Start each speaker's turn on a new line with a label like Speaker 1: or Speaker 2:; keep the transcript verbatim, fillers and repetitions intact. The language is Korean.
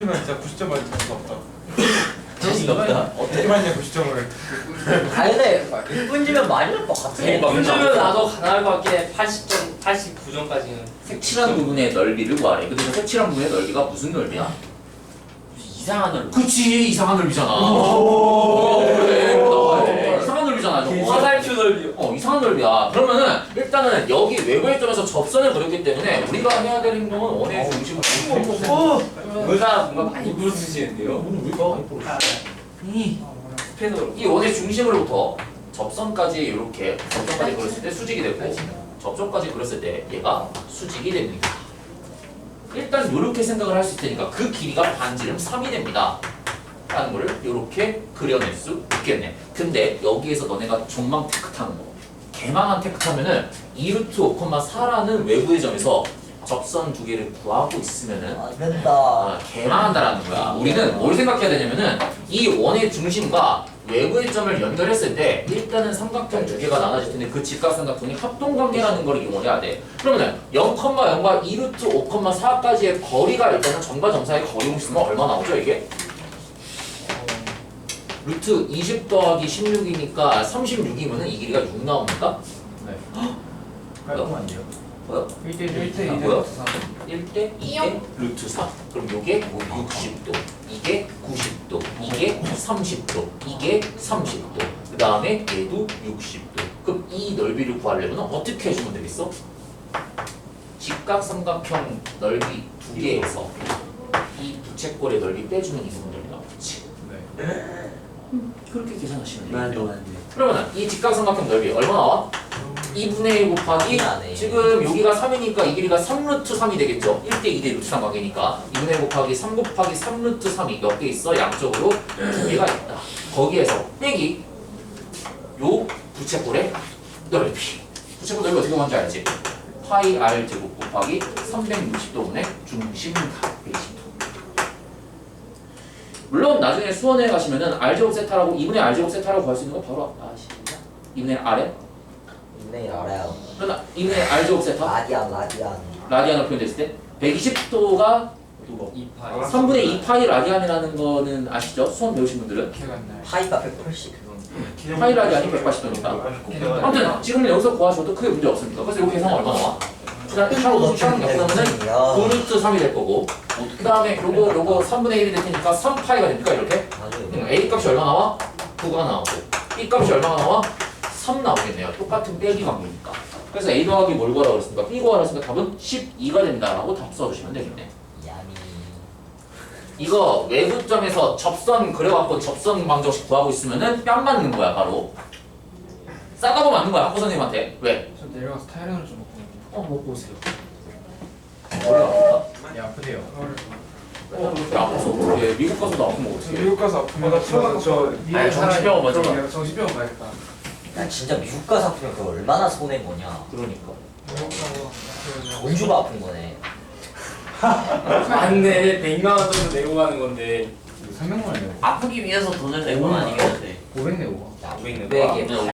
Speaker 1: 진짜 구십 점 맞을 수 없다.
Speaker 2: 자신 없다.
Speaker 1: 어떻게 맞냐 구십 점을.
Speaker 3: 아니 일 분지면 많이 올 것 같아.
Speaker 4: 요즘은 나도 가능할 것 같긴 해. 팔십 점, 팔십구 점까지는.
Speaker 2: 색칠한 부분의 넓이를 구하래. 근데 그 색칠한 부분의 넓이가 무슨 넓이야?
Speaker 3: 이상한 얼굴.
Speaker 2: 그치, 이상한 넓이잖아. 오, 그래, 나와야 이상한 넓이잖아, 저거.
Speaker 4: 화살표 넓이요.
Speaker 2: 어, 이상한 넓이야. 그러면은 일단은 여기 외부의 점에서 접선을 그렸기 때문에 우리가 해야 될 행동은 원의 중심을
Speaker 4: 의사 뭔가 많이 부르시는데요.
Speaker 2: 오늘 왜 이렇게 많이 부르시지? 이,
Speaker 4: 스페너로.
Speaker 2: 이 원의 중심으로부터 접선까지 이렇게 접선까지 그렸을 때 수직이 되고 접선까지 그렸을 때 얘가 수직이 됩니다. 일단 이렇게 생각을 할 수 있으니까 그 길이가 반지름 삼이 됩니다. 라는 거를 이렇게 그려낼 수 있겠네. 근데 여기에서 너네가 존망 테크 타는 거, 개망한 테크 타면은 이 루트 오, 사라는 외부의 점에서 접선 두 개를 구하고 있으면은
Speaker 3: 안 된다.
Speaker 2: 아, 개망한다라는 거야. 우리는 뭘 생각해야 되냐면은 이 원의 중심과 외부의 점을 연결했을 때 일단은 삼각형 두 개가 나눠질 텐데 그 직각삼각형이 합동관계라는 걸 이용을 해야 돼. 그러면은 영, 영과 이 루트 오, 사까지의 거리가 일단은 점과 점사의 거리 공식이면 얼마 나오죠 이게? 루트 이십 더하기 십육이니까 삼십육이면은 이 길이가 육 나옵니까?
Speaker 1: 네.
Speaker 2: 깔끔한데요? 뭐야?
Speaker 1: 일 대 일 대
Speaker 2: 아,
Speaker 1: 이 대
Speaker 2: 뭐야?
Speaker 1: 사.
Speaker 2: 일 대 이 대 루트 사. 그럼 요게 육십 도, 이게 구십 도, 이게 삼십 도, 이게 삼십 도. 그 다음에 얘도 육십 도. 그럼 이 넓이를 구하려면 어떻게 해주면 되겠어? 직각삼각형 넓이 두 개에서 이 부채꼴의 넓이 빼주면 이 부분 넓이 나오겠지.
Speaker 1: 네.
Speaker 2: 그렇게 계산하시면
Speaker 3: 말도
Speaker 2: 돼요.
Speaker 3: 안 돼.
Speaker 2: 그러면 이 직각삼각형 넓이 얼마 나와? 이분의 일 곱하기
Speaker 3: 안 해.
Speaker 2: 지금 여기가 삼이니까 이 길이가 삼 루트 삼이 되겠죠? 일 대 이 대 루트 삼 관계니까 이분의 일 곱하기 삼 곱하기 삼 루트 삼이 몇 개 있어? 양쪽으로 두 개가 있다. 거기에서 빼기 요 부채꼴의 넓이. 부채꼴 넓이 어떻게 구하는지 알지? 파이 r 제곱 곱하기 삼백육십 도분의 중심각 백이십 도. 물론 나중에 수원에 가시면은 r 제곱 세타라고 이분의 r 제곱 세타라고 구할 수 있는 거 바로 아십니까? 이분의 r에
Speaker 3: 네 알아요.
Speaker 2: 그러나 이분의 r 제곱 세타
Speaker 3: 라디안 라디안.
Speaker 2: 라디안으로 표현됐을 때 백이십 도가
Speaker 4: 이 파이.
Speaker 2: 삼분의 이 파이 라디안이라는 거는 아시죠? 수원 배우신 분들은
Speaker 1: 기억 안 나요.
Speaker 3: 파이가 백팔십.
Speaker 2: 파이 라디안이 백팔십 도니까 아무튼 지금 여기서 구하셔도 크게 문제 없습니다. 그래서 이거 계산 얼마 나와? 일단 차로 차로 약분하면은 구 루트 삼이 될 거고 그 다음에 요거 요거 삼분의 일이 될 테니까 삼 파이가 됩니까 이렇게? 음, A 값이 얼마 나와? 구가 나오고 B 값이 얼마가 나와? 삼 나오겠네요. 똑같은 빼기 관계니까. 그래서 A 더하기 뭘 구하라고 그랬습니까? B 구하라고 했으니까 답은 십이가 된다 라고 답 써주시면 되겠네.
Speaker 3: 야미.
Speaker 2: 이거 외부점에서 접선 그려갖고 접선 방정식 구하고 있으면은 뺨 맞는 거야 바로. 싸가고 맞는 거야 학부 선생님한테. 왜?
Speaker 1: 저 내려가서 타이레놀 좀 먹고.
Speaker 2: 어 먹고 오세요. 머리 아프다?
Speaker 1: 네 아프대요.
Speaker 2: 어 그렇게 아파서 어떻게 미국 가서도 아프면
Speaker 1: 저
Speaker 2: 어떻게
Speaker 1: 미국 가서 아프면 저 저
Speaker 2: 아니, 정신병원 먼저 가.
Speaker 1: 정신병원 가야겠다.
Speaker 3: 야 진짜 미국 가서 아프면 그거 얼마나 손해인 거냐.
Speaker 2: 그러니까
Speaker 3: 돈 주고 아픈 거네.
Speaker 4: 맞네. 백만 원 정도 내고 가는 건데.
Speaker 1: 삼백만 원이요.
Speaker 3: 아프기 위해서 돈을 낸 건 아니겠는데.
Speaker 1: 오백 내고.
Speaker 3: 야
Speaker 4: 오백 내고
Speaker 3: 백에